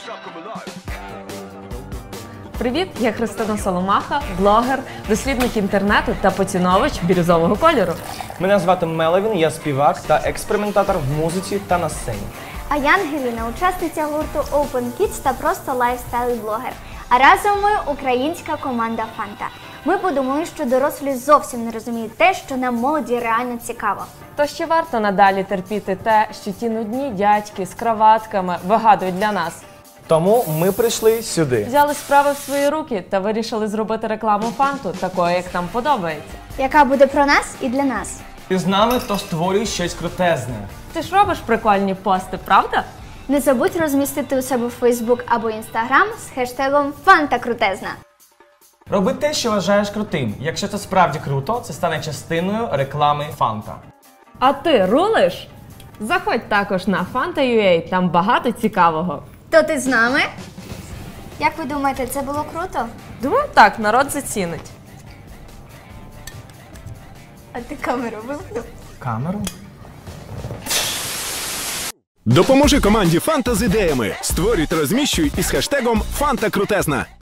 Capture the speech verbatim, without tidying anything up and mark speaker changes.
Speaker 1: Привіт, я Христина Соломаха, блогер, дослідник інтернету та поціновувач бірюзового кольору.
Speaker 2: Мене звати Меловін, я співак та експериментатор в музиці та на сцені.
Speaker 3: А я Ангеліна, учасниця гурту Open Kids та просто лайфстайл-блогер. А разом ми українська команда Фанта. Ми подумали, що дорослі зовсім не розуміють те, що нам молоді реально цікаво.
Speaker 1: То ще варто надалі терпіти те, що ті нудні дядьки з краватками вигадують для нас.
Speaker 2: Тому ми прийшли сюди.
Speaker 1: Взяли справи в свої руки та вирішили зробити рекламу Фанту такою, як нам подобається.
Speaker 3: Яка буде про нас і для нас.
Speaker 2: Ти з нами, то створюй щось крутезне.
Speaker 1: Ти ж робиш прикольні пости, правда?
Speaker 3: Не забудь розмістити у себе в Фейсбук або Інстаграм з хештегом Фанта Крутезна.
Speaker 2: Роби те, що вважаєш крутим. Якщо це справді круто, це стане частиною реклами Фанта.
Speaker 1: А ти рулиш? Заходь також на фанта крапка ю а, там багато цікавого.
Speaker 3: То ти з нами? Як ви думаєте, це було круто?
Speaker 1: Думаю, так, народ зацінить.
Speaker 3: А ти камеру вимкнув?
Speaker 2: Камеру?
Speaker 4: Допоможи команді Фанта з ідеями. Створюй та розміщуй із хештегом Фанта Крутезна.